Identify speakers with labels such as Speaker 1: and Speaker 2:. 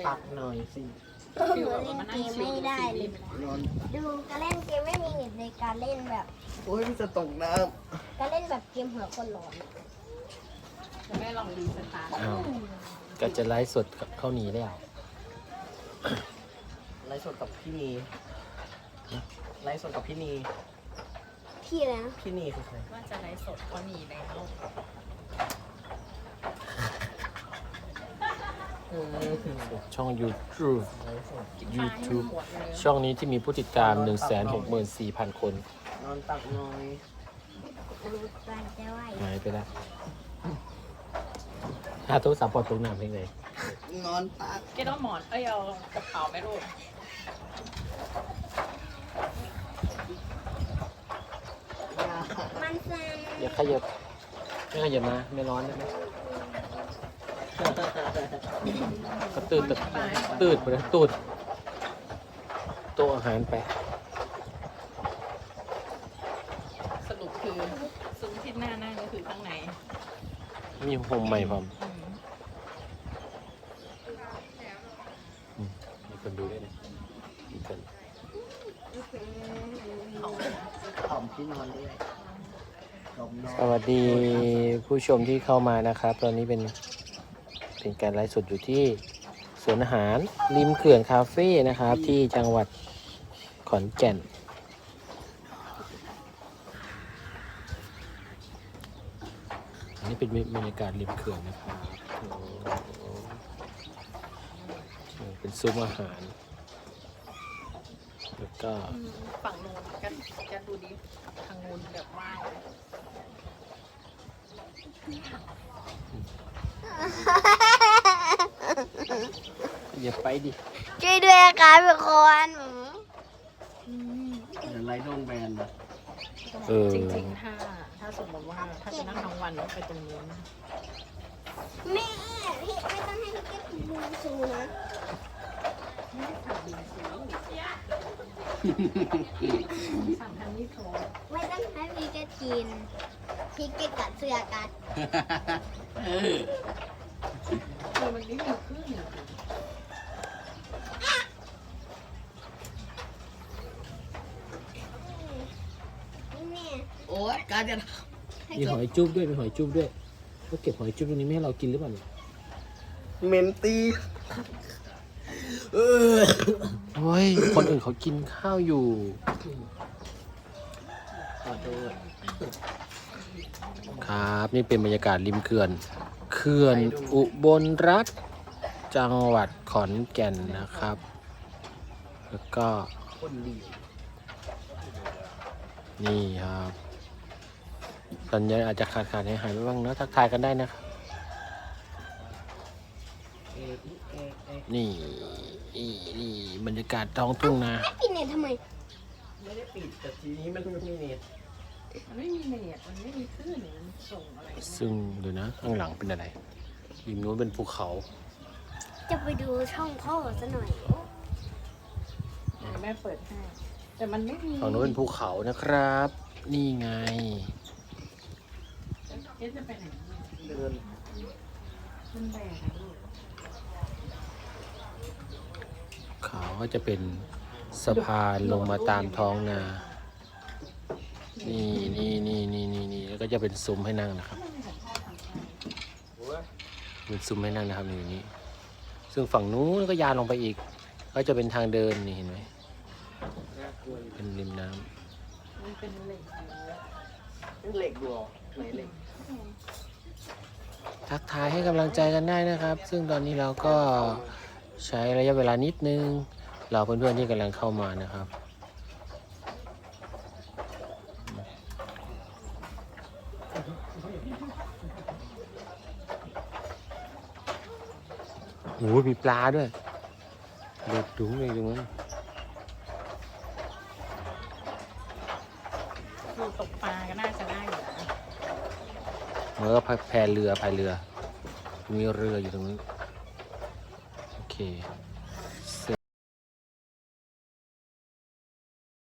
Speaker 1: ตักหน่อยสิ
Speaker 2: หนูเล่นเกมไม่ได้เลยดูการเล่นเกมไม่มีเน็ตในการเล่นแบบ
Speaker 1: โอ้ยมันจะตกน้
Speaker 2: การเล่นแบบเกมหัวคนร้อน
Speaker 3: จะไม่ลองรีสตาร์ท
Speaker 4: อ้าวก็จะไลฟ์สดเข้าหนีแล้ว
Speaker 1: ำไลฟ์สดกับพี่นีไลฟ์สดกับพี่นี
Speaker 2: พี่อะไรนะ
Speaker 1: พี่นีคือใคร
Speaker 3: ว่าจะไลฟ์สดก็หนีแล้ว
Speaker 4: ช่อง YouTube
Speaker 1: ไลฟ์สด
Speaker 4: YouTube
Speaker 3: หมดเลย
Speaker 4: ช่องนี้ที่มีผู้ติดตาม 164,000 คน
Speaker 1: นอนตักหน่อย
Speaker 2: ดูการจะไหว
Speaker 4: หายไปแล้วถ้าโทรศัพท์ปลดตรงหน้าเพลงเลย
Speaker 1: นอนตัก
Speaker 3: แกต้องหมอนเอ้ยเอากระเป๋าไหมลูก
Speaker 2: มันสั่น
Speaker 4: อย่าขยับไม่ขยับมาไม่ร้อนได้ไหมก็ตืดไปเลยตูดโต๊ะอาหารไป
Speaker 3: สรุปคือซุ้มที่หน้านั่งก็คือข้างใน
Speaker 4: มีโฮมใหม่พร้อม มีคนดูด้วยนะมีคน
Speaker 1: หอมที่นอนด้วยหอมนอน
Speaker 4: สวัสดีผู้ชมที่เข้ามานะครับ ตอนนี้เป็นการไลฟ์สดอยู่ที่สวนอาหารริมเขื่อนคาเฟ่นะครับ ที่จังหวัดขอนแก่น อันนี้เป็นบรรยากาศริมเขื่อนนะครับเป็นซุ้มอาหาร แล้วก็
Speaker 3: ฝั่งโน้นกันดูดิทางโน้นแบบว่าง
Speaker 4: อย่าไปดิ
Speaker 2: ช่วยด้วยครับทุกคน
Speaker 1: เดี๋ยวไลฟ์โดนแบนนะ
Speaker 3: จริงๆถ้าสมมติว่าถ้าจะนั่งทั้งวันไปตรงนู้น
Speaker 2: แม่พี่ไม่ต้องให้พี่เก็บบูซูนะ
Speaker 3: สั่งทางนี้โทร
Speaker 2: ไม่ต้องให้พี่เก็บกินพี่เก็บกัดเสื้อกัด
Speaker 3: คือมันไม่มีคลื่น
Speaker 2: นี่แม่
Speaker 1: โอ้ยการจะ
Speaker 4: มีหอยจุ๊บด้วยมีหอยจุ๊บด้วยก็เก็บหอยจุ๊บตรงนี้ไม่ให้เรากินหรือเปล่าเนี่ย
Speaker 1: เมนตีเออ
Speaker 4: โอ้ยคนอื่นเขากินข้าวอยู่
Speaker 1: ขอโทษ
Speaker 4: ครับนี่เป็นบรรยากาศริมเขื่อนอุบลรัฐจังหวัดขอนแก่นนะครับ แล้วก็
Speaker 1: คนดี
Speaker 4: นี่ครับสัญญาณอาจจะขาดหายไปบ้างเนอะทักทายกันได้นะครับ นี่บรรยากาศท้องทุ่งนา
Speaker 2: กินเนี่ยทำไม
Speaker 1: ไม่ได้ปิดแต่ทีนี้มันไม่มีเน็ต
Speaker 3: มันไม่มีเน็ตมันไม่มีคลื่นมันส่งอะไร
Speaker 4: ซึ่งดูนะข้างหลังเป็นอะไรริมนู้นเป็นภูเขา
Speaker 2: จะไปดูช่องพ่อซะหน่อย
Speaker 3: แม่เปิดให้แต่มันไม่มี
Speaker 4: ฝั่งนู้นเป็นภูเขานะครับ นี่ไง
Speaker 3: เอ๊ะจะไปไหน
Speaker 1: เดิน
Speaker 3: มันแบกอะลูก
Speaker 4: เขาก็จะเป็นสะพานลงมาตามท้องนา นี่แล้วก็จะเป็นซุ้มให้นั่งนะครับ เป็นซุ้มให้นั่งนะครับนี่นี่ซึ่งฝั่งนู้นก็ยาวลงไปอีก ก็จะเป็นทางเดินนี่เห็นไหม
Speaker 1: น่ากลัวอยู่
Speaker 4: เป็นริมน้ำ
Speaker 3: มันเป็นเหล็ก
Speaker 1: เหล็กดูออกไหนเหล็ก
Speaker 4: ทักทายให้กำลังใจกันได้นะครับ ซึ่งตอนนี้เราก็ใช้ระยะเวลานิดนึงเราเพื่อนๆที่กำลังเข้ามานะครับ โอ้ยมีปลาด้วยเด็ดดุ้งเลยตรงนั้น
Speaker 3: คือตกปลาก็น่าจะได้อยู่นะ
Speaker 4: แล้วก็พายเรือ มีเรืออยู่ตรงนั้น โอเค